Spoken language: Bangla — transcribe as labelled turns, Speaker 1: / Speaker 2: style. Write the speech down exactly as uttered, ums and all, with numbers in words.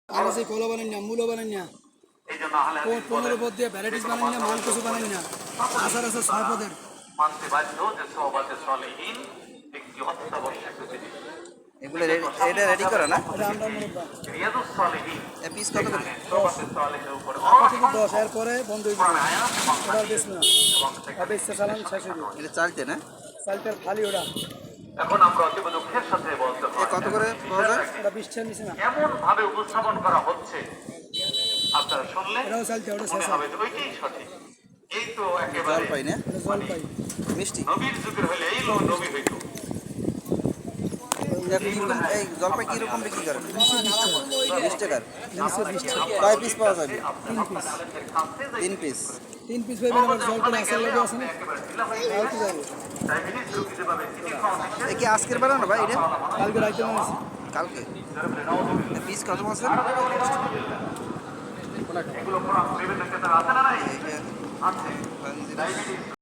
Speaker 1: আর সেই কলো বানাই না, মূলো বানাই না, পনেরো পদ দিয়ে ভ্যারাইটিস বানাই না, মান কিছু বানাই না, আচার আছে ছয় পদের।
Speaker 2: মানতে বাধ্য যে সোহবতে সলিহিন একটি অত্যাবশ্যক জিনিস।
Speaker 3: এগুলো এটা রেডি করা না?
Speaker 1: এটা আমরা মুরব্বা
Speaker 2: রিয়াদুস সলিহিন
Speaker 3: এ পিস কত করে?
Speaker 2: সোহবতে সলিহিনের উপর
Speaker 1: আপাতত দশ, এরপরে বন্ধ হয়ে যাবে,
Speaker 2: আয়াত
Speaker 1: ওটা আর বেশ না,
Speaker 2: এবং
Speaker 1: আর বেশটা চালান শেষ হয়ে যাবে।
Speaker 3: এটা চালতে না?
Speaker 1: চালটার খালি ওটা,
Speaker 2: এখন আমরা অতীব দুঃখের সাথে বলতে
Speaker 3: এ
Speaker 2: হয়
Speaker 3: কত করে পাওয়া যায়?
Speaker 1: ওটা বিশটার নিচে না,
Speaker 2: এমন ভাবে উপস্থাপন করা হচ্ছে আপনারা শুনলে
Speaker 1: এটাও চালতে, ওটা শেষ
Speaker 2: মনে
Speaker 1: হবে,
Speaker 2: হবে যে ওইটাই সঠিক। এই তো
Speaker 3: জল
Speaker 2: একেবারে
Speaker 3: পাই না?
Speaker 1: এটা জল পাই।
Speaker 3: মিষ্টি?
Speaker 2: নবীর যুগের হলে এই লো নবী হইতো।
Speaker 3: এটা কিরকম, এই জলপাই কিরকম বিক্রি করেন?
Speaker 1: নিচে বিশ টাকা,
Speaker 3: বিশ টাকার?
Speaker 1: নিচে বিশ টাকা,
Speaker 3: কয় পিস পাওয়া যাবে?
Speaker 1: তিন পিস,
Speaker 3: তিন পিস।
Speaker 1: তিন পিস পাইবেন। আবার জল করে আচার লাগে আছে না, তাও তো যাবে।
Speaker 2: ডায়াবেটিস রোগী যেভাবে চিনি খাওয়া নিষেধ,
Speaker 3: এ কি আজকের বানানো ভাই এটা?
Speaker 1: কালকে রাইতে বানাইছি।
Speaker 3: কালকে? পিস কত বলছেন?
Speaker 2: এগুলো কোরআন বিভিন্ন ক্ষেত্রে আছে না নাই?
Speaker 3: এইটা
Speaker 2: আছে।
Speaker 3: পাঞ্জিরা।
Speaker 2: ডায়াবেটিস